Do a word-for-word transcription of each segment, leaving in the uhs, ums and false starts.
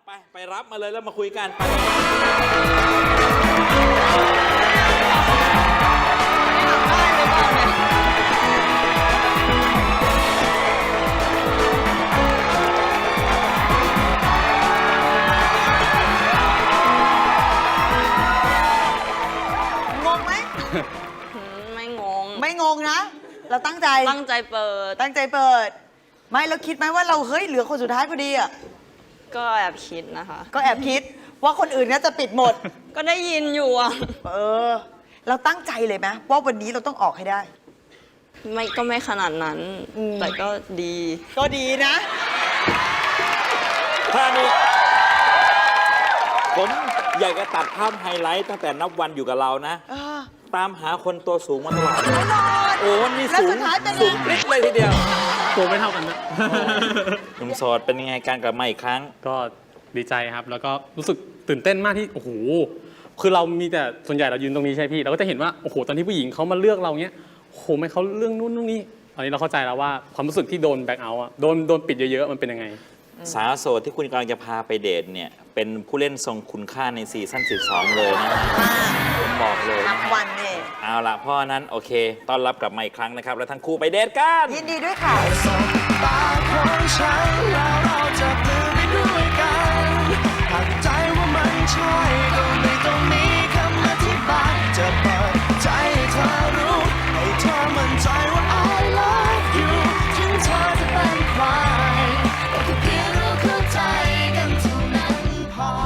ไปไปรับมาเลยแล้วมาคุยกันงงไหมไม่งงไม่งงนะ เราตั้งใจตั้งใจเปิดตั้งใจเปิด ไม่เราคิดไหมว่าเราเฮ้ยเหลือคนสุดท้ายพอดีอ่ะก็แอบคิดนะคะก็แอบคิดว่าคนอื่นน่าจะปิดหมดก็ได้ยินอยู่อ่ะเออ เราตั้งใจเลยไหมว่าวันนี้เราต้องออกให้ได้ไม่ก็ไม่ขนาดนั้นอืมแต่ก็ดีก็ดีนะท่านี้ผมอยากจะตัดภาพไฮไลท์ตั้งแต่นับวันอยู่กับเรานะเออตามหาคนตัวสูงมาตลอดแน่นอนโอ้นี่แล้วสูสุงดท้ายเป็นไงสูงปริ๊ดเลยทีเดียวตัวไม่เท่ากันนะหนุ่มโสดเป็นยังไงการกลับมาอีกครั้งก็ดีใจครับ แล้วก็รู้สึกตื่นเต้นมากที่โอ้โหคือเรามีแต่ส่วนใหญ่เรายืนตรงนี้ใช่พี่เราก็จะเห็นว่าโอ้โหตอนที่ผู้หญิงเขามาเลือกเราเนี้ยโอ้โหไม่เขาเรื่องนู้นนู่นนี่ตอนนี้เราเข้าใจแล้วว่าความรู้สึกที่โดนแบ็คเอาท์อะโดนโดนปิดเยอะๆมันเป็นยังไงสาวโสดที่คุณกำลังจะพาไปเดทเนี่ยเป็นผู้เล่นทรงคุณค่าในซีซั่นสิบสองเลยนะผมบอกเลยนันะบวันเนี่ยเอาละเพราะฉะนั้นโอเคต้อนรับกลับมาอีกครั้งนะครับ แล้วทั้งคู่ไปเดทกันยินดีด้วยค่ะตาของฉันแล้วเราจะปลือไปด้วยกันหากใจว่ามันใช่ก็ไม่ต้องมีคำอธิบายจะเปิดใจให้เธอรู้ให้เธอมั่นใจว่า I love you ถึงเธอจะเป็นใครก็แค่เพียงเราเข้าใจกันเท่านั้นพอ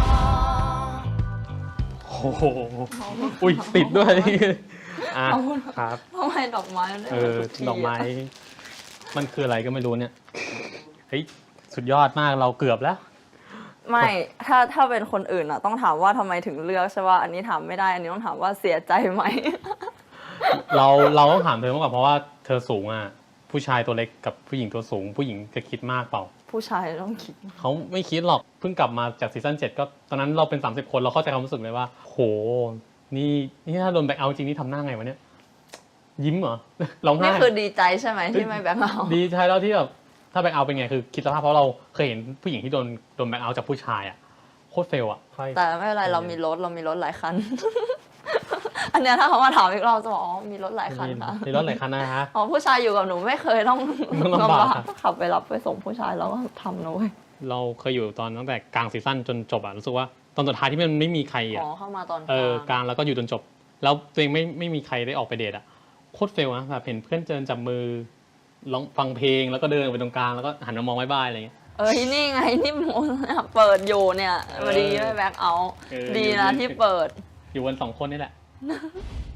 โอ้โหอุ้ยติดด้วยอ่ะครับทำไมดอกไม้มันได้เออทุทีะดอกไม้ มันคืออะไรก็ไม่รู้เนี่ยเฮ้ยสุดยอดมากเราเกือบแล้วไม่ถ้าถ้าเป็นคนอื่นอ่ะ ต้องถามว่าทำไมถึงเลือกใช่ป่ะอันนี้ถามไม่ได้ อันนี้ต้องถามว่าเสียใจไหมเราเราต้องถามเธอมากกว่าเพราะว่าเธอสูงอ่ะผู้ชายตัวเล็กกับผู้หญิงตัวสูง ผู้หญิงจะคิดมากเปล่าผู้ชายต้องคิดเขาไม่คิดหรอกเพิ่งกลับมาจากซีซั่นเจ็ดก็ตอนนั้นเราเป็นสามสิบคนเราเข้าใจความรู้สึกเลยว่า โหนี่นี่ถ้าโดนแบ็คเอาท์จริงนี่ทำหน้าไงวะเนี่ยยิ้มเหรอ ร้องไห้นี่คือดีใจใช่ไหมที่ไม่แบงค์เอาดีใจแล้วที่แบบถ้าแบ็คเอาท์เป็นไงคือคิดสภาพเพราะเราเคยเห็นผู้หญิงที่โดนโดนแบ็คเอาท์จากผู้ชายอ่ะโคตรเฟลอ่ะแต่ไม่เป็นไรเรามีรถเรามีรถหลายคัน อันเนี้ยถ้าเขามาถามอีกรอบจะบอกอ๋อมีรถหลายคันค่ะมีรถหลายคันนะฮะอ๋อผู้ชายอยู่กับหนูไม่เคยต้องต้องลำบากขับไปรับไปส่งผู้ชายแล้วก็ทำนะเว้ยเราเคยอยู่ตอนตั้งแต่กลางซีซั่นจนจบอ่ะรู้สึกว่าตอนสุดท้ายที่มันไม่มีใครอ๋อ่ะอเข้ามาตอนเออกลาลาง งแล้วก็อยู่จนจบ แล้วตัวเองไม่ไม่มีใครได้ออกไปเดทอ่ะโคตรเฟลนะแบบเห็นเพื่อนเดินจับมือร้องฟังเพลงแล้วก็เดินไปตรงกลางแล้วก็หันมามองบ๊ายบายอะไรเงี้ยเอ้ยนี่ไงนี่โมเนี่ยเปิดอยู่เนี่ยพอดีไม่แบ็คเอาท์เออดีอยู่นะนี่ที่เปิดอยู่กันสองคนนี่แหละ